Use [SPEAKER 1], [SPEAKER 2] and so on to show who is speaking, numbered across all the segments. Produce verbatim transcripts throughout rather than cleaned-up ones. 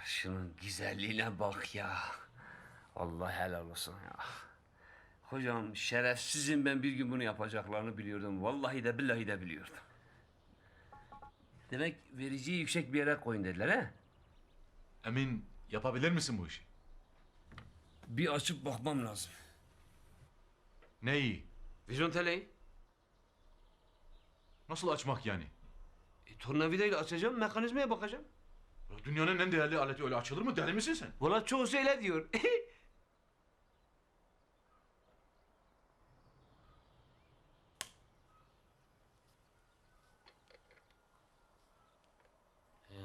[SPEAKER 1] şunun güzelliğine bak ya. Allah helal olsun ya. Hocam şerefsizim, ben bir gün bunu yapacaklarını biliyordum. Vallahi de billahi de biliyordum. Demek vericiyi yüksek bir yere koyun dediler he?
[SPEAKER 2] Emin, yapabilir misin bu işi?
[SPEAKER 1] Bir açıp bakmam lazım.
[SPEAKER 2] Neyi?
[SPEAKER 1] Vizonteleyi.
[SPEAKER 2] Nasıl açmak yani?
[SPEAKER 1] E, tornavidayla açacağım, mekanizmaya bakacağım.
[SPEAKER 2] Ya dünyanın en değerli aleti öyle açılır mı? Deli misin sen?
[SPEAKER 1] Valla çoğu öyle diyor. Ee,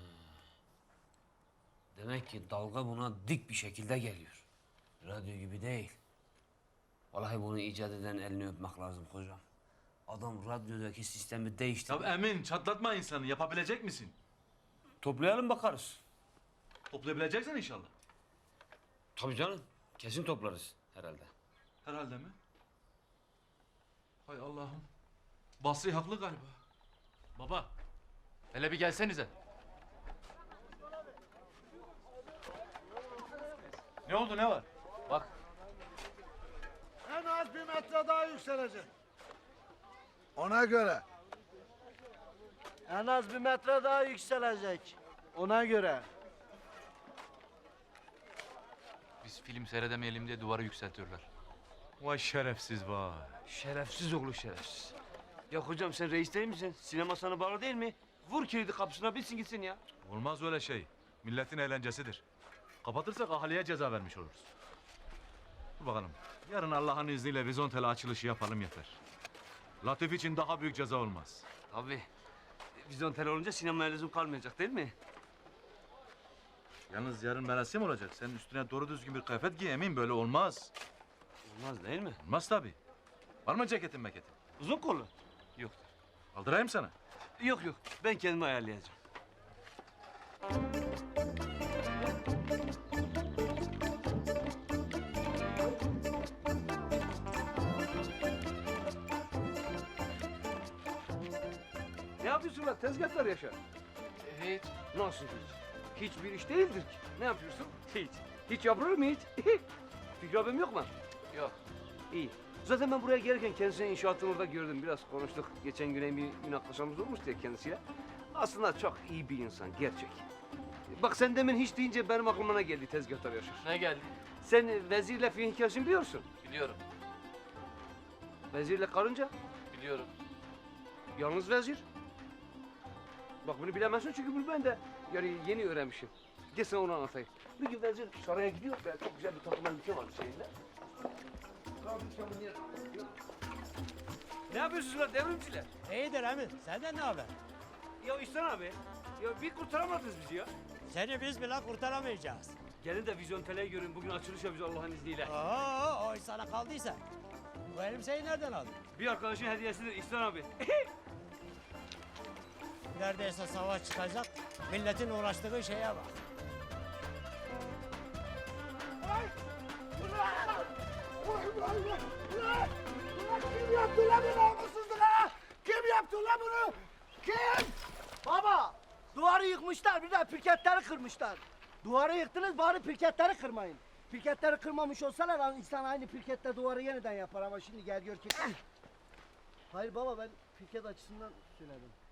[SPEAKER 1] Demek ki dalga buna dik bir şekilde geliyor. Radyo gibi değil. Vallahi bunu icat eden elini öpmek lazım hocam. Adam radyodaki sistemi değiştirdi.
[SPEAKER 2] Ya Emin, çatlatma insanı. Yapabilecek misin?
[SPEAKER 1] Toplayalım bakarız.
[SPEAKER 2] Toplayabileceksin inşallah.
[SPEAKER 1] Tabii canım. Kesin toplarız herhalde.
[SPEAKER 2] Herhalde mi? Hay Allah'ım. Basri haklı galiba.
[SPEAKER 3] Baba, hele bir gelsenize.
[SPEAKER 2] Ne oldu, ne var?
[SPEAKER 3] Bak,
[SPEAKER 4] En az bir metre daha yükselecek. Ona göre. En az bir metre daha yükselecek. Ona göre.
[SPEAKER 3] biz film seyredemeyelim diye duvarı yükseltiyorlar.
[SPEAKER 2] Vay şerefsiz vay.
[SPEAKER 1] Şerefsiz oğlu şerefsiz. Ya hocam sen reis değil misin? Sinema sana bağlı değil mi? Vur kilidi kapısına, bilsin gitsin ya.
[SPEAKER 2] Olmaz öyle şey. Milletin eğlencesidir. Kapatırsak ahaliye ceza vermiş oluruz. Dur bakalım. Yarın Allah'ın izniyle vizontele açılışı yapalım yeter. Latif için daha büyük ceza olmaz.
[SPEAKER 1] Tabii. Vizyon olunca sinemaya lüzum kalmayacak değil mi?
[SPEAKER 2] Yalnız yarın merasim olacak. Sen üstüne doğru düzgün bir kıyafet giy Emin. Böyle olmaz.
[SPEAKER 1] Olmaz değil mi?
[SPEAKER 2] Olmaz tabii. Var mı ceketin meketin?
[SPEAKER 1] Uzun kollu. Yok.
[SPEAKER 2] Aldırayım sana.
[SPEAKER 1] Yok yok. Ben kendimi ayarlayacağım. Ne yapıyorsun lan? Tezgahlar yaşa.
[SPEAKER 3] Evet.
[SPEAKER 1] Nasıl hiç? Hiçbir iş değildir ki. Ne yapıyorsun? Hiç. Hiç yapılır mı hiç? Fikri abim yok mu?
[SPEAKER 3] Yok.
[SPEAKER 1] İyi. Zaten ben buraya gelirken kendisini inşaatın orada gördüm. Biraz konuştuk. Geçen gün bir münakaşamız olmuştu ya kendisiyle. Aslında çok iyi bir insan, gerçek. Bak sen demin hiç deyince benim aklıma ne geldi tezgahtar Yaşar.
[SPEAKER 3] Ne geldi?
[SPEAKER 1] Sen vezirle film hikayesini biliyorsun.
[SPEAKER 3] Biliyorum.
[SPEAKER 1] Vezirle karınca,
[SPEAKER 3] Biliyorum.
[SPEAKER 1] yalnız vezir. Bak bunu bilemezsin çünkü bunu ben de yani yeni öğrenmişim. Gel sana onu anlatayım. Bir gün vezir saraya gidiyor. Ben çok güzel bir takım elbise vardı şeyinde. Ne yapıyorsunuz lan devrimciler?
[SPEAKER 5] İyidir Emin. Senden ne haber?
[SPEAKER 1] Ya İhsan abi, ya bir kurtaramadınız bizi ya.
[SPEAKER 5] Seni biz bile kurtaramayacağız.
[SPEAKER 1] Gelin de Vizontele'yi görün. Bugün açılış yapacağız Allah'ın izniyle.
[SPEAKER 5] Oo, o iş sana kaldıysa. Bu elbiseyi nereden aldın?
[SPEAKER 1] Bir arkadaşın hediyesidir İhsan abi.
[SPEAKER 5] Neredeyse savaş çıkacak. Milletin uğraştığı şeye bak.
[SPEAKER 4] Kim yaptı lan bunu namussuzluğa? Kim yaptı lan bunu? Kim? Baba, duvarı yıkmışlar, bir de pirketleri kırmışlar. Duvarı yıktınız, bari pirketleri kırmayın. Pirketleri kırmamış olsalar lan insan aynı pirkette duvarı yeniden yapar ama şimdi gel gör ki... Hayır baba, ben pirket açısından söyledim.